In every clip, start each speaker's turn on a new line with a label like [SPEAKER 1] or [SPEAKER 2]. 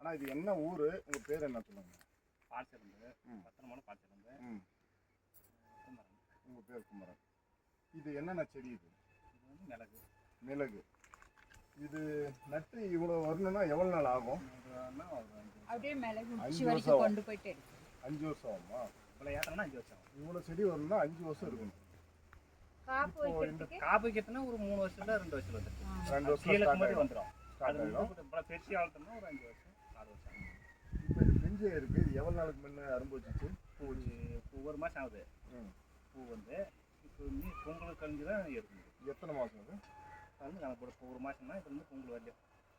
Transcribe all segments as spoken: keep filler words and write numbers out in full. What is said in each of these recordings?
[SPEAKER 1] ஆனால் இது என்ன ஊர், உங்கள் பேர் என்ன சொல்லுங்க?
[SPEAKER 2] பால்சிறந்து பத்திரமான பால்சிறந்து.
[SPEAKER 1] ம் குமரன். உங்கள் பேர் குமரன். இது என்னென்ன செடி? இது
[SPEAKER 2] இது வந்து மிளகு.
[SPEAKER 1] மிளகு. இது நட்டு இவ்வளோ வரணும்னா எவ்வளோ நாள் ஆகும்?
[SPEAKER 3] அப்படியே மிளகு உச்சி வரைக்கும் கொண்டு போயிட்டு
[SPEAKER 1] அஞ்சு வருஷம் ஆகுமா?
[SPEAKER 2] இவ்வளோ ஏற்றம்னா அஞ்சு வருஷம் ஆகும்.
[SPEAKER 1] இவ்வளோ செடி வரணும்னா அஞ்சு வருஷம் இருக்கணும்.
[SPEAKER 3] காப்பு
[SPEAKER 2] இந்த காப்பு வைக்கிறதுனா ஒரு மூணு வருஷத்துல ரெண்டு வருஷம் வந்துடும்.
[SPEAKER 1] ரெண்டு வருஷம்
[SPEAKER 2] கீழே மாதிரி வந்துடும்.
[SPEAKER 1] ஸ்டார்ட் ஆகிடும்.
[SPEAKER 2] இப்போ பெருசி ஆகணும்னா ஒரு அஞ்சு வருஷம் ஆறு வருஷம் ஆகும்.
[SPEAKER 1] இப்போ இது பிஞ்சே இருக்குது. இது எவ்வளோ நாளுக்கு முன்னே அரும்பு வச்சுச்சு?
[SPEAKER 2] பூ ஒவ்வொரு மாதம் ஆகுது. பூ வந்து இப்போ நீ பொங்கல் கழிஞ்சு தான் எடுக்கணும்.
[SPEAKER 1] எத்தனை மாதம் அது?
[SPEAKER 2] வந்து நமக்கு இப்போ ஒரு மாதம்னா இப்போ வந்து பொங்கல் வரலையும்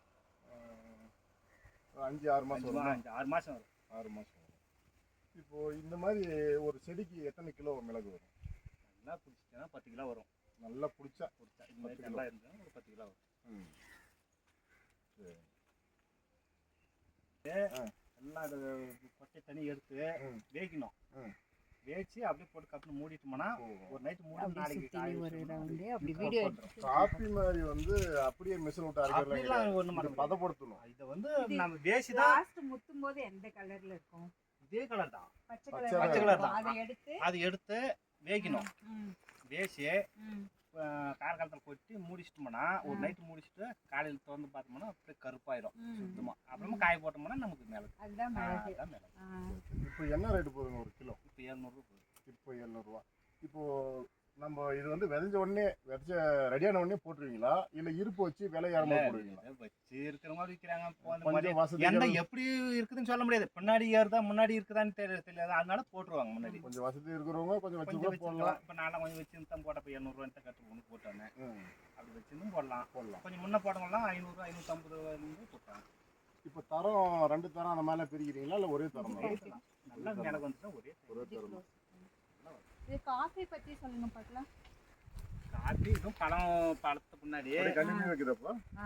[SPEAKER 1] அஞ்சு ஆறு மாதம் வரும்.
[SPEAKER 2] அஞ்சு ஆறு மாதம் வரும்.
[SPEAKER 1] ஆறு மாதம் வரும். இப்போது இந்த மாதிரி ஒரு செடிக்கு எத்தனை கிலோ மிளகு வரும்?
[SPEAKER 2] நல்லா பிடிச்சிச்சுன்னா பத்து கிலோ வரும்.
[SPEAKER 1] நல்லா பிடிச்சா
[SPEAKER 2] பிடிச்சா இந்த மாதிரி நல்லா இருந்ததுன்னா ஒரு பத்து கிலோ வரும்.
[SPEAKER 1] ம் சரி.
[SPEAKER 2] எல்லாம் அது கொட்டை தண்ணி எடுத்து வேகணும். வேச்சு அப்படியே போட்டு கப்புன்னு மூடிட்டோம்னா ஒரு நைட்டு மூடி நாளைக்கு
[SPEAKER 1] காப்பி மாதிரி வந்து அப்படியே மிஷின் விட்டு அரைக்கலாம். ஒண்ணு பதப்படுத்தணும்.
[SPEAKER 2] இதை வந்து நம்ம வேசி தான்
[SPEAKER 3] முத்தும் போது எந்த கலர்ல இருக்கும்?
[SPEAKER 2] இதே கலர் தான்,
[SPEAKER 3] பச்சை
[SPEAKER 2] பச்சை கலர் தான்.
[SPEAKER 3] அதை எடுத்து
[SPEAKER 2] அதை எடுத்து வேகணும். வேசி காரக்காலத்தில் கொட்டி மூடிச்சிட்டோம்னா ஒரு நைட்டு மூடிச்சிட்டு காலையில் திறந்து பார்த்தோம்னா அப்படியே கருப்பாயிரும் சுத்தமாக. அப்புறமா காய போட்டோம்னா நமக்கு மிளகு.
[SPEAKER 3] அதுதான் மிளகு.
[SPEAKER 1] இப்போ என்ன ரேட்டு போகுதுங்க ஒரு கிலோ?
[SPEAKER 2] இப்போ எழுநூறுவா போகுது.
[SPEAKER 1] இப்போ எழுநூறுவா. இப்போது நம்ம இது வந்து விதைஞ்ச உடனே விதைச்ச ரெடியான உடனே போட்டுருவீங்களா, இல்லை இருப்பு வச்சு விலை ஏறமா போடுவீங்களா?
[SPEAKER 2] வச்சு இருக்கிற மாதிரி விற்கிறாங்க.
[SPEAKER 1] என்ன
[SPEAKER 2] எப்படி இருக்குதுன்னு சொல்ல முடியாது. பின்னாடி ஏறுதா முன்னாடி இருக்குதான்னு தெரியாது தெரியாது அதனால போட்டுருவாங்க. முன்னாடி
[SPEAKER 1] கொஞ்சம் வசதி இருக்கிறவங்க கொஞ்சம் வச்சு கூட போடலாம்.
[SPEAKER 2] இப்போ நான் கொஞ்சம் வச்சு தான் போட்டப்போ இரநூறுவான்ட்டு கட்டு ஒன்று போட்டோன்னே அப்படி வச்சுருந்தும் போடலாம். போடலாம் கொஞ்சம் முன்ன போட்டவங்களாம் ஐநூறு ஐநூற்றம்பது ரூபாயிலிருந்து போட்டாங்க.
[SPEAKER 1] இப்போ தரம் ரெண்டு தரம் அந்த மாதிரிலாம் பிரிக்கிறீங்களா, இல்லை ஒரே தரம் தான்?
[SPEAKER 2] நல்லா எனக்கு வந்துட்டு ஒரே
[SPEAKER 1] ஒரே தரம் தான்.
[SPEAKER 3] இது காஃபி பத்தி சொல்லுங்க பார்க்கலாம்.
[SPEAKER 2] காஃபி இதுவும் பழம் பழத்துக்கு முன்னாடி
[SPEAKER 1] கண்டினியூ வைக்கிறப்போ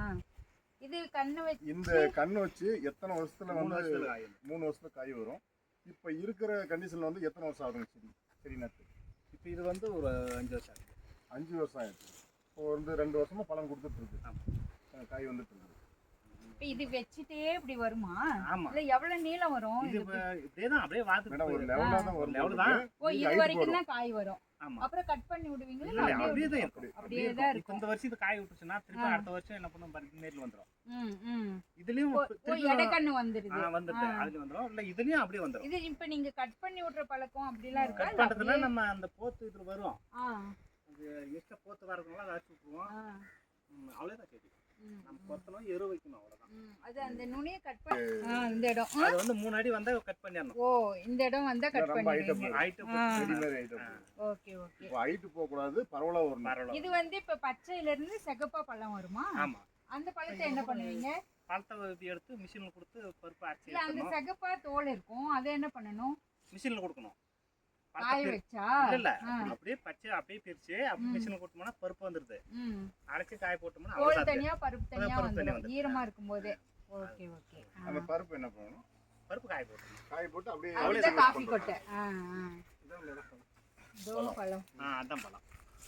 [SPEAKER 3] இது கண்ணு வச்சு
[SPEAKER 1] இந்த கண்ணு வச்சு எத்தனை வருஷத்துல வந்து மூணு வருஷத்துல காய் வரும். இப்போ இருக்கிற கண்டிஷன்ல வந்து எத்தனை வருஷம் ஆகுங்க சரி சரி நட்டு?
[SPEAKER 2] இப்போ இது வந்து ஒரு அஞ்சு வருஷம் ஆகுது.
[SPEAKER 1] அஞ்சு வருஷம் ஆயிடுச்சு. இப்போ வந்து ரெண்டு வருஷமா பழம் கொடுத்துட்டு இருக்கு, காய் வந்துட்டு இருக்கு.
[SPEAKER 3] இப்போ இது வெச்சிட்டே இப்படி வருமா?
[SPEAKER 2] ஆமா.
[SPEAKER 3] இல்ல எவ்வளவு நீளம் வரும்?
[SPEAKER 2] இது இப்படியே தான் அப்படியே வாத்து
[SPEAKER 1] மேடம் ஒரு லெவலா தான் வரும்.
[SPEAKER 2] லெவல் தான்.
[SPEAKER 3] ஓ இது வரைக்கும் தான் காய் வரும்.
[SPEAKER 2] ஆமா.
[SPEAKER 3] அப்புறம் கட் பண்ணி விடுவீங்களா?
[SPEAKER 2] இல்ல அப்படியே தான் இருக்கும்.
[SPEAKER 3] அப்படியே தான் இருக்கும்.
[SPEAKER 2] இந்த வருஷம் இது காய் விட்டுச்சுனா திருப்பி அடுத்த வருஷம் என்ன பண்ணும் பாருங்க நேர்ல வந்துரும்.
[SPEAKER 3] ம் ம்.
[SPEAKER 2] இதுலயும்
[SPEAKER 3] ஓ எடக்கண்ணு வந்துருது.
[SPEAKER 2] ஆ வந்துது. அதுல வந்துரும். இல்ல இதுலயும் அப்படியே வந்துரும்.
[SPEAKER 3] இது இப்ப நீங்க கட் பண்ணி விட்ற பழக்கம் அப்படிலாம் இருக்கா?
[SPEAKER 2] கட் பண்றதுல நம்ம அந்த போத்து இதுல வரும்.
[SPEAKER 3] ஆ.
[SPEAKER 2] அது எக்ஸ்ட்ரா போத்து வரதுனால அதை அடிச்சு விட்டுருவோம். அவ்வளவுதான் சரி. நம்ம கொத்தணும் எரு வைக்கணும் அவ்வளவுதான்.
[SPEAKER 3] அது அந்த நுனியை கட் பண்ணி இந்த இடம்
[SPEAKER 2] அது வந்து மூணு அடி வந்தா கட் பண்ணிரணும்.
[SPEAKER 3] ஓ இந்த இடம் வந்தா கட் பண்ணிடுவீங்க.
[SPEAKER 2] Height
[SPEAKER 1] readymade item.
[SPEAKER 3] Okay okay.
[SPEAKER 1] இப்போ ஹைட் போக கூடாது, பரவலா வரணும்.
[SPEAKER 3] இது வந்து இப்ப பச்சையில இருந்து சிகப்பா பழம் வருமா?
[SPEAKER 2] ஆமா.
[SPEAKER 3] அந்த பழத்தை என்ன பண்ணுவீங்க?
[SPEAKER 2] பழத்தை எடுத்து மிஷின்ல கொடுத்து பருப்பு அரைச்சு
[SPEAKER 3] இல்ல அந்த சிகப்பா தோல் இருக்கும், அதை என்ன பண்ணணும்?
[SPEAKER 2] மிஷின்ல கொடுக்கணும்.
[SPEAKER 3] காய வச்சா
[SPEAKER 2] இல்ல அப்படியே பச்சை அப்படியே பிரிச்சு அப்படியே மிஷின்ல கொடுத்தோம்னா பருப்பு வந்துருது. அரைச்சு காய போட்டோம்னா
[SPEAKER 3] தோல் தனியா பருப்பு தனியா வந்துரும் ஈரமா இருக்கும்போதே. Okay okay.
[SPEAKER 1] அந்த பருப்பு என்ன பண்ணணும்?
[SPEAKER 2] பருப்பு காய போடணும்.
[SPEAKER 1] காய போட்டு அப்படியே
[SPEAKER 3] அவ்வளவுதான் காபி கொட்டை. ஆ ஆ
[SPEAKER 2] இதான்
[SPEAKER 3] பழம்.
[SPEAKER 2] ஆ அதான் பழம்.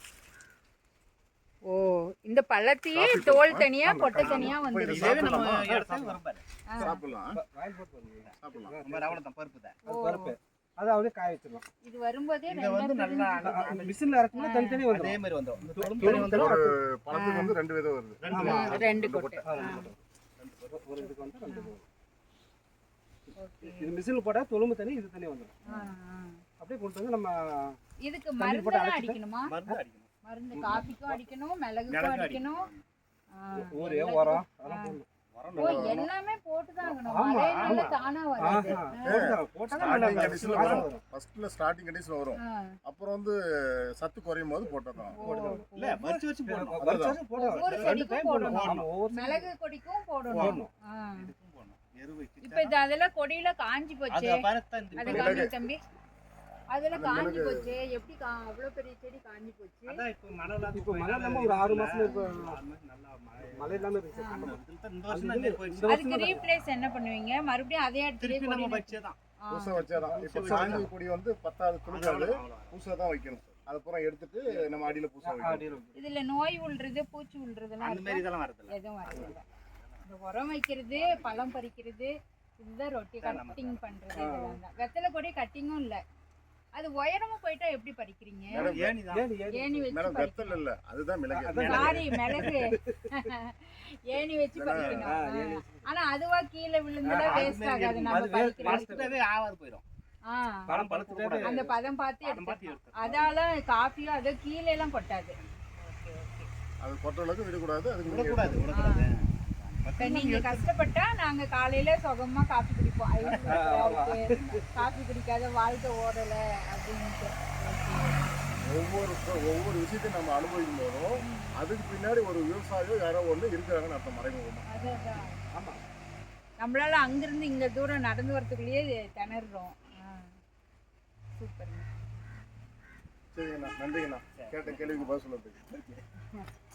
[SPEAKER 3] ஓ இந்த பழத்தையே தோல் தனியா கொட்டை தனியா வந்துருது.
[SPEAKER 2] இதே நம்ம எடுத்து வர பாரு.
[SPEAKER 1] சாப்பிடலாம்.
[SPEAKER 2] வாயில் போட்டு சாப்பிடலாம். நம்ம அவ்வளவுதான் பருப்பு தான்.
[SPEAKER 4] பருப்பு அது அப்படியே காய வச்சிரலாம்.
[SPEAKER 3] இது வரும்போதே
[SPEAKER 2] இது வந்து நல்லா
[SPEAKER 4] அந்த மிஷின்ல இறக்குனா தனி தனி வந்துரும்.
[SPEAKER 2] அதே மாதிரி வந்துரும். இந்த தொழும் தனி வந்துரும்.
[SPEAKER 1] ஒரு பழத்துக்கு வந்து ரெண்டு விதம் வருது.
[SPEAKER 3] ரெண்டு ரெண்டு கொட்டை.
[SPEAKER 4] ஒரு இதுக்கு வந்து ரெண்டு விதம். ஓகே. இது மிஷின்ல போட்டா தொழும்பு தனி இது தனி வந்துரும். ஆ ஆ. அப்படியே கொண்டு வந்து நம்ம
[SPEAKER 3] இதுக்கு மருந்து அடிக்கணுமா?
[SPEAKER 2] மருந்து அடிக்கணும்.
[SPEAKER 3] மருந்து காபிக்கும் அடிக்கணும், மிளகுக்கும் அடிக்கணும்.
[SPEAKER 4] ஊரே உரம் அதெல்லாம் போடணும்.
[SPEAKER 3] ஓ எல்லாமே போட்டு தான் ஆகணும். மழையில தானா வராது.
[SPEAKER 1] ஸ்டார்டிங் கண்டிஷன்ல வரும். ஃபர்ஸ்ட்ல ஸ்டார்டிங் கண்டிஷன்ல வரும். அப்புறம் வந்து சத்து குறையும் போது போட்டறோம்.
[SPEAKER 2] இல்ல வச்சு வச்சு போடணும்.
[SPEAKER 4] வச்சு வச்சு போடணும்.
[SPEAKER 3] ஒவ்வொரு செடிக்கும் போடணும். மிளகு கொடிக்கும் போடணும்.
[SPEAKER 2] இதுக்கும் போடணும். எரு வைக்க.
[SPEAKER 3] இப்போ இது அதெல்லாம் கொடியில காஞ்சி போச்சு.
[SPEAKER 2] அத பாருங்க
[SPEAKER 3] அது காஞ்சி தம்பி. அதெல்லாம் காஞ்சி போச்சு. எப்படி அவ்வளவு பெரிய செடி காஞ்சி போச்சு?
[SPEAKER 2] அதான் இப்போ மழைல
[SPEAKER 4] இப்போ மழைல ஒரு ஆறு மாசம் இப்போ
[SPEAKER 2] நல்லா
[SPEAKER 4] மழை இல்லாம இருக்கு.
[SPEAKER 2] இந்த வருஷம் தான் போயிடுச்சு.
[SPEAKER 3] அதுக்கு ரீப்ளேஸ் என்ன பண்ணுவீங்க? மறுபடியும் அதே இடத்துல
[SPEAKER 2] நம்ம வச்சேதான்.
[SPEAKER 1] பூசை வச்சேதான். இப்போ சாஞ்சி கொடி வந்து பத்தாவது குளுகாது பூசை தான் வைக்கணும். அது பூரா எடுத்துட்டு நம்ம அடியில பூசை வைக்கணும்.
[SPEAKER 3] இதுல நோய் உள்றது பூச்சி உள்றதெல்லாம்
[SPEAKER 2] அந்த மாதிரி இதெல்லாம் வரது இல்ல.
[SPEAKER 3] எதுவும் வரது இல்ல. இந்த உரம் வைக்கிறது, பழம் பறிக்கிறது, இதுதான் ரொட்டி
[SPEAKER 2] இதான் நம்ம
[SPEAKER 3] கட்டிங் பண்றது இதெல்லாம் தான். வெத்தலை கொடி கட்டிங்கும் இல்ல. அது உயரமா போயிட்டா எப்படி பறிக்கிறீங்க?
[SPEAKER 2] ஏணி தான்.
[SPEAKER 4] ஏணி ஏணி
[SPEAKER 3] ஏணி வச்சு
[SPEAKER 1] மேடம் வெத்தல் இல்ல அதுதான் மிளகு.
[SPEAKER 4] அதான்
[SPEAKER 3] சாரி மிளகு. ஏணி வச்சு
[SPEAKER 4] ஆ,
[SPEAKER 3] பறிக்கணும்.
[SPEAKER 4] ஏணி
[SPEAKER 3] ஆ. ஆனா அதுவா கீழே விழுந்துடா
[SPEAKER 2] அது
[SPEAKER 3] வேஸ்ட்
[SPEAKER 2] மாதிரி
[SPEAKER 3] ஆகாது
[SPEAKER 2] இருக்கும்.
[SPEAKER 3] நம்ம
[SPEAKER 4] அது waste
[SPEAKER 3] பறிக்கிறது.
[SPEAKER 2] பழுத்துட்டவே ஆவாது போயிடும்.
[SPEAKER 3] ஆ.
[SPEAKER 4] பழம் பழுத்துட்டே
[SPEAKER 3] அந்த பதம் பார்த்து
[SPEAKER 2] பதம் பார்த்து
[SPEAKER 3] எடுத்துக்கலாம்.
[SPEAKER 2] எடுத்துக்கலாம்.
[SPEAKER 3] அதால காஃபியும் அது கீழே எல்லாம் கொட்டாது.
[SPEAKER 1] அது கொட்ட அளவுக்கு விடக்கூடாது. அதுக்கு நீங்க
[SPEAKER 2] விடக்கூடாது விடக்கூடாது.
[SPEAKER 3] இப்ப நீங்க கஷ்டப்பட்டா நாங்க காலையில சுகமா காஃபி குடிப்போம். ஐஸ் இருக்கு, காஃபி குடிக்காத வாழ்க்கை ஓடல அப்படின்ட்டு.
[SPEAKER 1] ஒவ்வொரு ஒவ்வொரு விஷயத்தையும் நம்ம அனுபவிக்கும் போதும் அதுக்கு பின்னாடி ஒரு விவசாயியோ யாரோ ஒண்ணு இருக்கிறாங்கன்னு அர்த்தம் மறைமுகமா.
[SPEAKER 3] அதான்
[SPEAKER 4] ஆமா
[SPEAKER 3] நம்மளால அங்கிருந்து இங்க தூரம் நடந்து வரதுக்குள்ளேயே திணறோம். சூப்பர்.
[SPEAKER 1] சரிங்கண்ணா நன்றிங்கண்ணா கேட்ட கேள்விக்கு பதில் சொல்லுறதுக்கு.